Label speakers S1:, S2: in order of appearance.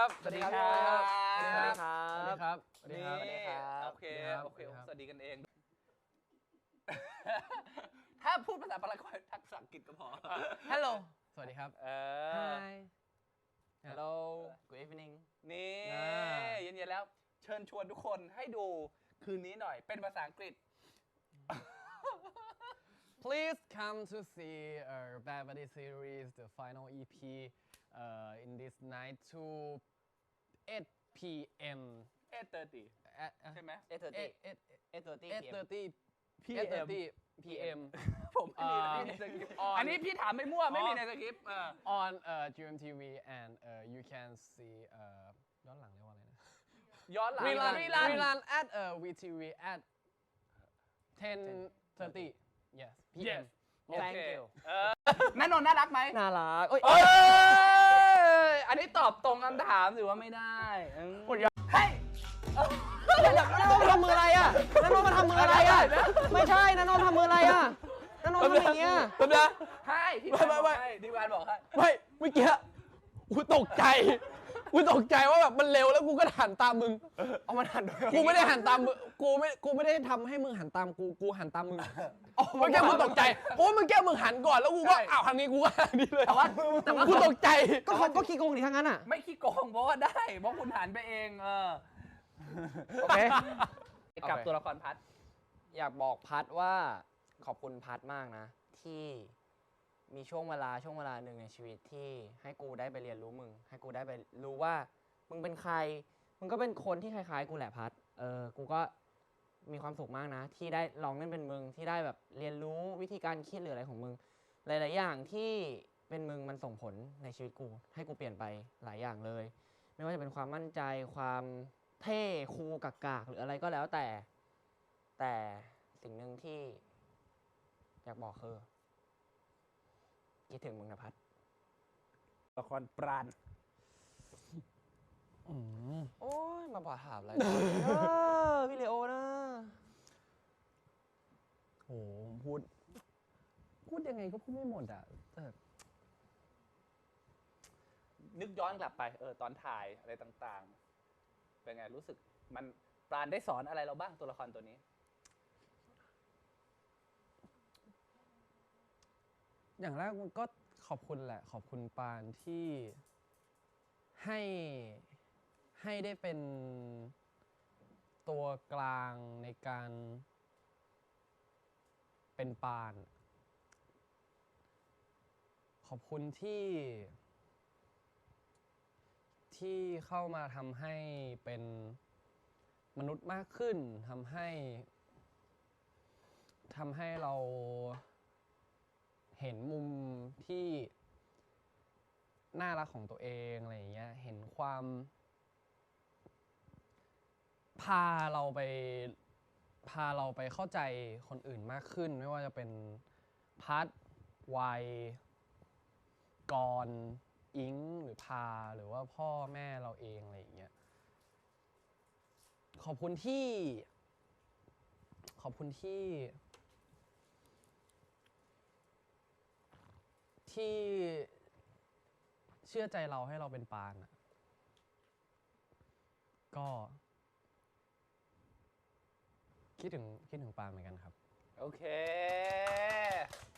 S1: ครับสวัสดีครับสวัสดีครับสวัสดีครับ
S2: สวัสดีครับ
S1: โอเคสวัสดีกันเอง ถ้าพูดภาษาพารากวัยทักษะอังกฤษก็พอ
S2: Hello สวัสดีครับ
S1: Hi
S2: Hello Good evening
S1: นี่เย็นๆแล้วเชิญชวนทุกคนให้ดูคืนนี้หน่อยเป็นภาษาอังกฤษ
S2: Please come to see Bad Buddy series the final EP in this night to 8 p.m.
S1: 8:30 ใช่ไหม
S2: 8:30 p.m.
S1: ผมไม่มีในสคริปต์อันนี้พี่ถามไม่มั่วไม่มีในสคริปต์
S2: on GMTV and you can see ย้อนหลังเรียกว่าอะไรนะ
S1: ย้อนหลัง
S2: rerun at VTV at 10:30 yes p.m.
S1: Thank you นันนนท์น่ารักไหม
S2: น่ารัก
S1: อันนี้ตอบตรงคำถามถือว่าไม่ได้เฮ้ย
S2: นันนท์ทำมืออะไรอ่ะนันนท์มาทำมืออะไรอ่ะไม่ใช่นันนท์ทำมืออะไรอ่ะนันนท์ทำอย่างเงี้ย
S3: แป๊บนะ
S1: ให้ทีมงานบอกให้ทีมงานบอกให้
S3: ไม่เมื่อกี้กูตกใจว่าแบบมันเร็วแล้วกูก็หันตามมึง
S2: เอามันหันด้วย
S3: กูไม่ได้หันตามมึงกูไม่ได้ทำให้มึงหันตามกูหันตามมึงเมื่อกี้กูตกใจเพราะเมื่อกี้มึงหันก่อนแล้วกูก็อ้าวทางนี้กูก็ทางนี้เลย
S1: แต่ว่า
S3: กูตกใจ
S2: ก็เขาก็ขี้โกงดิทั้งนั้นอ่ะ
S1: ไม่ขี้โกงเพราะว่าได้เพราะคุณหันไปเอง
S2: โอเค
S1: กับตัวละครพัด
S4: อยากบอกพัดว่าขอบคุณพัดมากนะ ที่มีช่วงเวลาหนึ่งในชีวิตที่ให้กูได้ไปเรียนรู้มึง ให้กูได้ไปรู้ว่ามึงเป็นใคร มึงก็เป็นคนที่คล้ายๆกูแหละพัดกูก็มีความสุขมากนะ ที่ได้ลองเล่นเป็นมึงที่ได้แบบเรียนรู้วิธีการคิดหรืออะไรของมึง หลายๆอย่างที่เป็นมึงมันส่งผลในชีวิตกูให้กูเปลี่ยนไปหลายอย่างเลย ไม่ว่าจะเป็นความมั่นใจความเท่คูลกากๆหรืออะไรก็แล้วแต่สิ่งหนึ่งที่อยากบอกคือคิดถึงมึงนะพัด
S1: ละครปราณ
S4: โอ้ยมาบอกถามอะไรพี่เลโอนะ
S3: โอ้พูดยังไงก็พูดไม่หมดอ่ะแต่
S1: นึกย้อนกลับไปตอนถ่ายอะไรต่างๆเป็นไงรู้สึกมันปราณได้สอนอะไรเราบ้างตัวละครตัวนี้
S3: อย่างแรกมันก็ขอบคุณแหละขอบคุณปานที่ให้ได้เป็นตัวกลางในการเป็นปานขอบคุณที่เข้ามาทำให้เป็นมนุษย์มากขึ้นทำให้เราเห็นมุมที่น่ารักของตัวเองอะไรอย่างเงี้ยเห็นความพาเราไปเข้าใจคนอื่นมากขึ้นไม่ว่าจะเป็นพัดวัยกรอิงหรือพาหรือว่าพ่อแม่เราเองอะไรอย่างเงี้ยขอบคุณที่เชื่อใจเราให้เราเป็นปานก็คิดถึงปานเหมือนกันครับ
S1: โอเค